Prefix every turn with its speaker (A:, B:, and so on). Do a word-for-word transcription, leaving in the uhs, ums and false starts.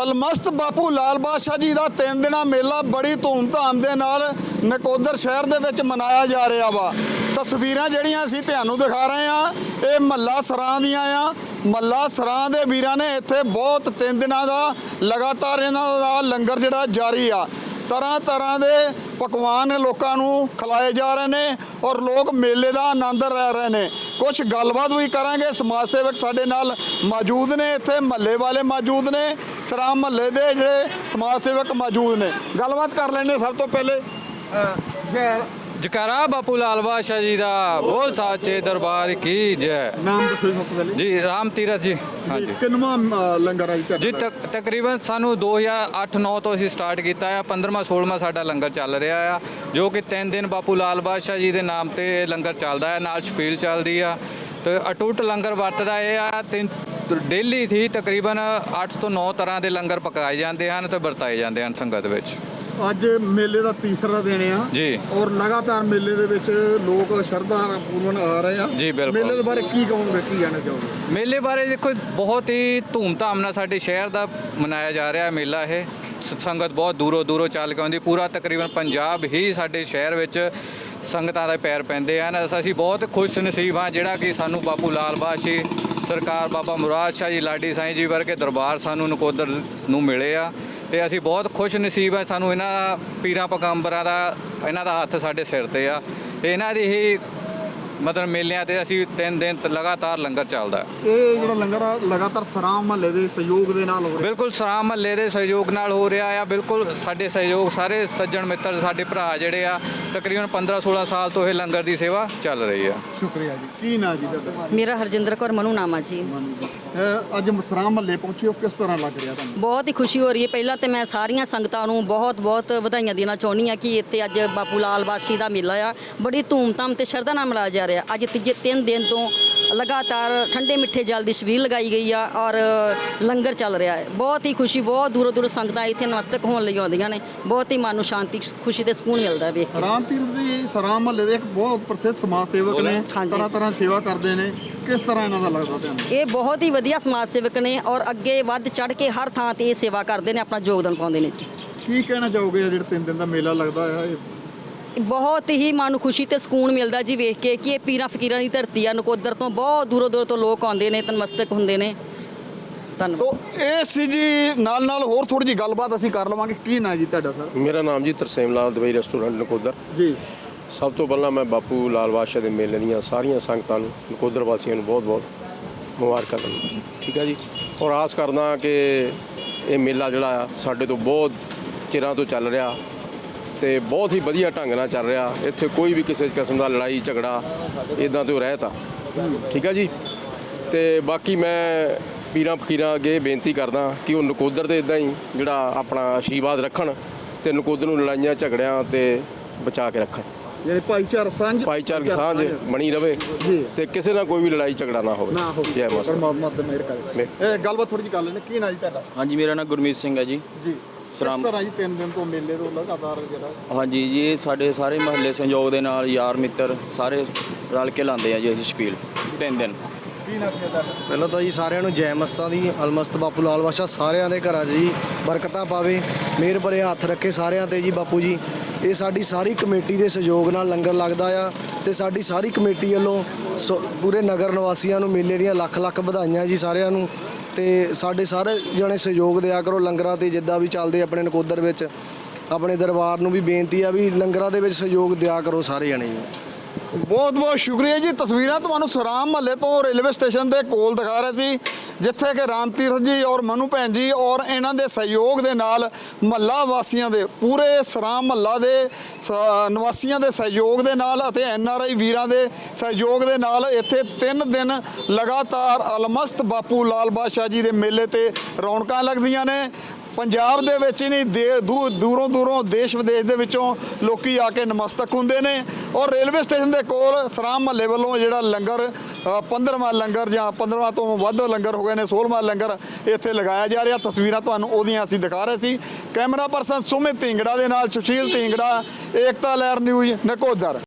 A: अलमस्त बापू लाल बादशाह जी का तीन दिन मेला बड़ी धूमधाम के नाल नकोदर शहर दे विच मनाया जा रहा वा। तस्वीरां जिहड़ियां असीं तुहानूं दिखा रहे हैं ये महला सरां दियां आ। महला सरां दे वीरां ने इत्थे बहुत तीन दिनां दा लगातार इन्हां दा लंगर जिहड़ा जारी आ। तरह तरह के पकवान लोगों को खिलाए जा रहे हैं और लोग मेले का आनंद लै रहे हैं। कुछ गलबात भी करांगे। समाज सेवक साडे नाल मौजूद ने, इत्थे महल्ले वाले मौजूद ने, सरां महल्ले के जिहड़े समाज सेवक मौजूद ने। गलबात कर लेने। सब तो पहले जय
B: जकारा बापू लाल बादशाह जी का बोल साचे दरबार की जय।
A: नाम दसो सब तो पहले
B: जी राम तीरथ जी। हाँ जी
A: किन्नवा लंगर है जी?
B: जी तक तकरीबन सानू दो हज़ार अठ नौ तो असीं स्टार्ट किया है। पंद्रहवां सोलहवां साडा लंगर चल रहा है जो कि तीन दिन बापू लाल बादशाह जी के नाम से लंगर चलता है, नाल छपील चलती है। तो अटूट लंगर वरतदा है। तीन डेली थी तकरीबन अठ तो नौ तरह के लंगर पकाए जाते हैं तो वरताए जाते हैं संगत विच।
A: अज मेले का तीसरा दिन आ
B: जी
A: और लगातार मेले दे विच लोग श्रद्धा पूर्वक आ रहे हैं
B: जी। बिल्कुल
A: मेले के बारे की कहोगे, की कहना चाहोगे?
B: मेले बारे देखो बहुत ही धूमधाम नाल साडे शहर का मनाया जा रहा है मेला। है संगत बहुत दूरों दूरों चल के आउंदी। पूरा तकरीबन पंजाब ही साडे शहर विच संगतां दे पैर पैंदे हैं। असीं बहुत खुश नसीब हाँ जिहड़ा कि सानू बापू लाल बादशाह सरकार बाबा मुराद शाह जी लाडी साईं जी वर्गे दरबार सानू नकोदर नूं मिले आ। ਤੇ ਅਸੀਂ ਬਹੁਤ ਖੁਸ਼ ਨਸੀਬ ਹੈ ਸਾਨੂੰ ਇਹਨਾਂ ਪੀਰਾਂ ਪਗੰਬਰਾਂ ਦਾ ਇਹਨਾਂ ਦਾ ਹੱਥ ਸਾਡੇ ਸਿਰ ਤੇ ਆ ਤੇ ਇਹਨਾਂ ਦੀ ਹੀ ਮਤਲਬ ਮੇਲਿਆਂ ਤੇ ਅਸੀਂ ਤਿੰਨ ਦਿਨ ਲਗਾਤਾਰ ਲੰਗਰ ਚੱਲਦਾ।
A: ਇਹ ਜਿਹੜਾ ਲੰਗਰ ਆ ਲਗਾਤਾਰ ਸਰਾਂ ਮਹੱਲੇ ਦੇ ਸਹਿਯੋਗ ਦੇ ਨਾਲ ਹੋ ਰਿਹਾ?
B: ਬਿਲਕੁਲ ਸਰਾਂ ਮਹੱਲੇ ਦੇ ਸਹਿਯੋਗ ਨਾਲ ਹੋ ਰਿਹਾ ਆ। ਬਿਲਕੁਲ ਸਾਡੇ ਸਹਿਯੋਗ ਸਾਰੇ ਸੱਜਣ ਮਿੱਤਰ ਸਾਡੇ ਭਰਾ ਜਿਹੜੇ ਆ ਤਕਰੀਬਨ ਪੰਦਰਾਂ ਸੋਲਾਂ ਸਾਲ ਤੋਂ ਇਹ ਲੰਗਰ ਦੀ ਸੇਵਾ ਚੱਲ ਰਹੀ ਆ।
A: ਸ਼ੁਕਰੀਆ ਜੀ। ਕੀ ਨਾਂ ਜੀ ਤੁਹਾਡਾ?
C: ਮੇਰਾ ਹਰਜਿੰਦਰ ਕੌਰ ਮਨੂ ਨਾਮ ਆ ਜੀ।
A: ਅੱਜ ਸਰਾਂ ਮਹੱਲੇ ਪਹੁੰਚੇ ਹੋ, ਕਿਸ ਤਰ੍ਹਾਂ ਲੱਗ ਰਿਹਾ ਤੁਹਾਨੂੰ?
C: ਬਹੁਤ ਹੀ ਖੁਸ਼ੀ ਹੋ ਰਹੀ ਹੈ। ਪਹਿਲਾਂ ਤੇ ਮੈਂ ਸਾਰੀਆਂ ਸੰਗਤਾਂ ਨੂੰ ਬਹੁਤ ਬਹੁਤ ਵਧਾਈਆਂ ਦੇਣਾ ਚਾਹੁੰਦੀ ਹਾਂ ਕਿ ਇੱਥੇ ਅੱਜ ਬਾਪੂ ਲਾਲ ਬਾਦਸ਼ਾਹ ਦਾ ਮੇਲਾ ਆ ਬੜੀ ਧੂਮਧਾਮ ਤੇ ਸ਼ਰਧਾ ਨਾਲ ਮਨਾਇਆ ਜਾ ਰਿਹਾ। ਅੱਜ ਤੀਜੇ ਤਿੰਨ ਦਿਨ ਤੋਂ ਲਗਾਤਾਰ ਠੰਡੇ ਮਿੱਠੇ ਜਲ ਦੀ ਛਬੀਲ ਲਗਾਈ ਗਈ ਆ ਔਰ ਲੰਗਰ ਚੱਲ ਰਿਹਾ ਹੈ। ਬਹੁਤ ਹੀ ਖੁਸ਼ੀ, ਬਹੁਤ ਦੂਰੋਂ ਦੂਰੋਂ ਸੰਗਤਾਂ ਇੱਥੇ ਨਮਸਤਕ ਹੋਣ ਲਈ ਆਉਂਦੀਆਂ ਨੇ। ਬਹੁਤ ਹੀ ਮਨ ਨੂੰ ਸ਼ਾਂਤੀ, ਖੁਸ਼ੀ ਤੇ ਸਕੂਨ ਮਿਲਦਾ ਵੇਖ ਕੇ।
A: ਰਾਮ ਤੀਰਥ ਦੀ ਸਰਾਂ ਮਹੱਲੇ ਦੇ ਇੱਕ ਬਹੁਤ ਪ੍ਰਸਿੱਧ ਸਮਾਜ ਸੇਵਕ ਨੇ, ਤਰ੍ਹਾਂ ਤਰ੍ਹਾਂ ਸੇਵਾ ਕਰਦੇ ਨੇ। ਕਿਸ ਤਰ੍ਹਾਂ ਇਹਨਾਂ ਦਾ ਲੱਗਦਾ ਤੁਹਾਨੂੰ?
C: ਇਹ ਬਹੁਤ ਹੀ ਵਧੀਆ ਸਮਾਜ ਸੇਵਕ ਨੇ ਔਰ ਅੱਗੇ ਵੱਧ ਚੜ੍ਹ ਕੇ ਹਰ ਥਾਂ ਤੇ ਇਹ ਸੇਵਾ ਕਰਦੇ ਨੇ, ਆਪਣਾ ਯੋਗਦਾਨ ਪਾਉਂਦੇ ਨੇ ਜੀ।
A: ਕੀ ਕਹਿਣਾ ਚਾਹੋਗੇ ਜਿਹੜਾ ਤਿੰਨ ਦਿਨ ਦਾ ਮੇਲਾ ਲੱਗਦਾ ਹੈ?
C: ਬਹੁਤ ਹੀ ਮਨ ਨੂੰ ਖੁਸ਼ੀ ਤੇ ਸਕੂਨ ਮਿਲਦਾ ਜੀ ਵੇਖ ਕੇ ਕਿ ਇਹ ਪੀਰਾਂ ਫਕੀਰਾਂ ਦੀ ਧਰਤੀ ਆ। ਨਕੋਦਰ ਤੋਂ ਬਹੁਤ ਦੂਰੋਂ ਦੂਰੋਂ ਤੋਂ ਲੋਕ ਆਉਂਦੇ ਨੇ, ਨਤਮਸਤਕ ਹੁੰਦੇ ਨੇ। ਧੰਨਵਾਦ।
A: ਤੋ ਇਹ ਸੀ ਜੀ ਨਾਲ ਨਾਲ ਹੋਰ ਥੋੜੀ ਜਿਹੀ ਗੱਲਬਾਤ ਅਸੀਂ ਕਰ ਲਵਾਂਗੇ। ਕੀ ਨਾਂ ਜੀ ਤੁਹਾਡਾ ਸਰ?
D: ਮੇਰਾ ਨਾਮ ਜੀ ਤਰਸੇਮ ਲਾਲ ਦਵਾਈ ਰੈਸਟੋਰੈਂਟ ਨਕੋਦਰ
A: ਜੀ।
D: ਸਭ ਤੋਂ ਪਹਿਲਾਂ ਮੈਂ ਬਾਪੂ ਲਾਲ ਬਾਦਸ਼ਾਹ ਦੇ ਮੇਲੇ ਦੀਆਂ ਸਾਰੀਆਂ ਸੰਗਤਾਂ ਨੂੰ, ਨਕੋਦਰ ਵਾਸੀਆਂ ਨੂੰ ਬਹੁਤ ਬਹੁਤ ਮੁਬਾਰਕਾਂ ਦਿੰਦਾ। ਠੀਕ ਹੈ ਜੀ। ਔਰ ਆਸ ਕਰਦਾ ਕਿ ਇਹ ਮੇਲਾ ਜਿਹੜਾ ਆ ਸਾਡੇ ਤੋਂ ਬਹੁਤ ਚਿਰਾਂ ਤੋਂ ਚੱਲ ਰਿਹਾ ਤੇ ਬਹੁਤ ਹੀ ਵਧੀਆ ਢੰਗ ਨਾਲ ਚੱਲ ਰਿਹਾ। ਇੱਥੇ ਕੋਈ ਵੀ ਕਿਸੇ ਕਿਸਮ ਦਾ ਲੜਾਈ ਝਗੜਾ ਇਦਾਂ ਤੋਂ ਰਹਿਤ ਆ। ਠੀਕ ਹੈ ਜੀ। ਤੇ ਬਾਕੀ ਮੈਂ ਪੀਰਾਂ ਫਕੀਰਾਂ ਅੱਗੇ ਬੇਨਤੀ ਕਰਦਾ ਕਿ ਉਹ ਨਕੋਦਰ ਤੇ ਇਦਾਂ ਹੀ ਜਿਹੜਾ ਆਪਣਾ ਆਸ਼ੀਰਵਾਦ ਰੱਖਣ ਤੇ ਨਕੋਦਰ ਨੂੰ ਲੜਾਈਆਂ ਝਗੜਿਆਂ ਤੇ ਬਚਾ ਕੇ ਰੱਖਣ।
A: ਯਾਨੀ ਭਾਈਚਾਰਾ ਸਾਂਝ
D: ਭਾਈਚਾਰਕ ਸਾਂਝ ਬਣੀ ਰਵੇ ਤੇ ਕਿਸੇ ਨਾਲ ਕੋਈ ਵੀ ਲੜਾਈ ਝਗੜਾ ਨਾ ਹੋਵੇ।
A: ਨਾ ਹੋਵੇ।
D: ਜੈ ਮਾਤਾ।
A: ਪਰਮਾਤਮਾ ਤੇ ਮਿਹਰ ਕਰੇ। ਇਹ ਗੱਲਬਾਤ ਥੋੜੀ ਜਿਹੀ ਕਰ ਲੈਣੇ। ਕੀ ਨਾਂ ਜੀ ਤੁਹਾਡਾ?
E: ਹਾਂਜੀ ਮੇਰਾ ਨਾਮ ਗੁਰਮੀਤ ਸਿੰਘ ਹੈ ਜੀ।
A: ਜੀ। ਕਿਸ ਤਰ੍ਹਾਂ ਜੀ ਤਿੰਨ ਦਿਨ ਤੋਂ ਮੇਲੇ ਤੋਂ ਲਗਾਤਾਰ ਜਿਹੜਾ?
E: ਹਾਂਜੀ ਜੀ ਇਹ ਸਾਡੇ ਸਾਰੇ ਮਹੱਲੇ ਸੰਯੋਗ ਦੇ ਨਾਲ ਯਾਰ ਮਿੱਤਰ ਸਾਰੇ ਰਲ ਕੇ ਲਾਉਂਦੇ ਆ ਜੀ ਅਸੀਂ ਛਪੀਲ ਤਿੰਨ ਦਿਨ।
A: ਕੀ ਨਾਂ ਤੁਹਾਡਾ?
F: ਪਹਿਲਾਂ ਤਾਂ ਜੀ ਸਾਰਿਆਂ ਨੂੰ ਜੈ ਮਸਤਾਂ ਦੀ। ਅਲਮਸਤ ਬਾਪੂ ਲਾਲ ਬਾਦਸ਼ਾਹ ਸਾਰਿਆਂ ਦੇ ਘਰਾਂ 'ਚ ਜੀ ਬਰਕਤਾਂ ਪਾਵੇ, ਮਿਹਰ ਭਰੇ ਹੱਥ ਰੱਖੇ ਸਾਰਿਆਂ ਤੇ ਜੀ ਬਾਪੂ ਜੀ। ਇਹ ਸਾਡੀ ਸਾਰੀ ਕਮੇਟੀ ਦੇ ਸਹਿਯੋਗ ਨਾਲ ਲੰਗਰ ਲੱਗਦਾ ਆ ਤੇ ਸਾਡੀ ਸਾਰੀ ਕਮੇਟੀ ਵੱਲੋਂ ਪੂਰੇ ਨਗਰ ਨਿਵਾਸੀਆਂ ਨੂੰ ਮੇਲੇ ਦੀਆਂ ਲੱਖ ਲੱਖ ਵਧਾਈਆਂ ਜੀ ਸਾਰਿਆਂ ਨੂੰ। ਤੇ ਸਾਡੇ ਸਾਰੇ ਜਣੇ ਸਹਿਯੋਗ ਦਿਆ ਕਰੋ ਲੰਗਰਾਂ ਤੇ ਜਿੱਦਾਂ ਵੀ ਚੱਲਦੇ ਆਪਣੇ ਨਕੋਦਰ ਵਿੱਚ। ਆਪਣੇ ਦਰਬਾਰ ਨੂੰ ਵੀ ਬੇਨਤੀ ਆ ਵੀ ਲੰਗਰਾਂ ਦੇ ਵਿੱਚ ਸਹਿਯੋਗ ਦਿਆ ਕਰੋ ਸਾਰੇ ਜਣੇ ਜੀ।
A: ਬਹੁਤ ਬਹੁਤ ਸ਼ੁਕਰੀਆ ਜੀ। ਤਸਵੀਰਾਂ ਤੁਹਾਨੂੰ ਸਰਾਂ ਮਹੱਲੇ ਤੋਂ ਰੇਲਵੇ ਸਟੇਸ਼ਨ ਦੇ ਕੋਲ ਦਿਖਾ ਰਹੇ ਸੀ ਜਿੱਥੇ ਕਿ ਰਾਮ ਤੀਰਥ ਜੀ ਔਰ ਮਨੂ ਭੈਣ ਜੀ ਔਰ ਇਹਨਾਂ ਦੇ ਸਹਿਯੋਗ ਦੇ ਨਾਲ ਮਹੱਲਾ ਵਾਸੀਆਂ ਦੇ ਪੂਰੇ ਸਰਾਂ ਮਹੱਲਾ ਦੇ ਨਿਵਾਸੀਆਂ ਦੇ ਸਹਿਯੋਗ ਦੇ ਨਾਲ ਅਤੇ ਐਨ ਆਰ ਆਈ ਵੀਰਾਂ ਦੇ ਸਹਿਯੋਗ ਦੇ ਨਾਲ ਇੱਥੇ ਤਿੰਨ ਦਿਨ ਲਗਾਤਾਰ ਅਲਮਸਤ ਬਾਪੂ ਲਾਲ ਬਾਦਸ਼ਾਹ ਜੀ ਦੇ ਮੇਲੇ ਤੇ ਰੌਣਕਾਂ ਲੱਗਦੀਆਂ ਨੇ। ਪੰਜਾਬ ਦੇ ਵਿੱਚ ਹੀ ਨਹੀਂ ਦੇ ਦੂਰੋਂ ਦੂਰੋਂ ਦੇਸ਼ ਵਿਦੇਸ਼ ਦੇ ਵਿੱਚੋਂ ਲੋਕੀ ਆ ਕੇ ਨਮਸਤਕ ਹੁੰਦੇ ਨੇ ਔਰ ਰੇਲਵੇ ਸਟੇਸ਼ਨ ਦੇ ਕੋਲ ਸਰਾਂ ਮਹੱਲੇ ਵੱਲੋਂ ਜਿਹੜਾ ਲੰਗਰ ਪੰਦਰਵਾਂ ਲੰਗਰ ਜਾਂ ਪੰਦਰਵਾਂ ਤੋਂ ਵੱਧ ਲੰਗਰ ਹੋ ਗਏ ਨੇ, ਸੋਲ੍ਹਵਾਂ ਲੰਗਰ ਇੱਥੇ ਲਗਾਇਆ ਜਾ ਰਿਹਾ। ਤਸਵੀਰਾਂ ਤੁਹਾਨੂੰ ਉਹਦੀਆਂ ਅਸੀਂ ਦਿਖਾ ਰਹੇ ਸੀ। ਕੈਮਰਾ ਪਰਸਨ ਸੁਮਿਤ ਢਿੰਗੜਾ ਦੇ ਨਾਲ ਸੁਸ਼ੀਲ ਢਿੰਗੜਾ, ਏਕਤਾ ਲਹਿਰ ਨਿਊਜ਼ ਨਕੋਦਰ।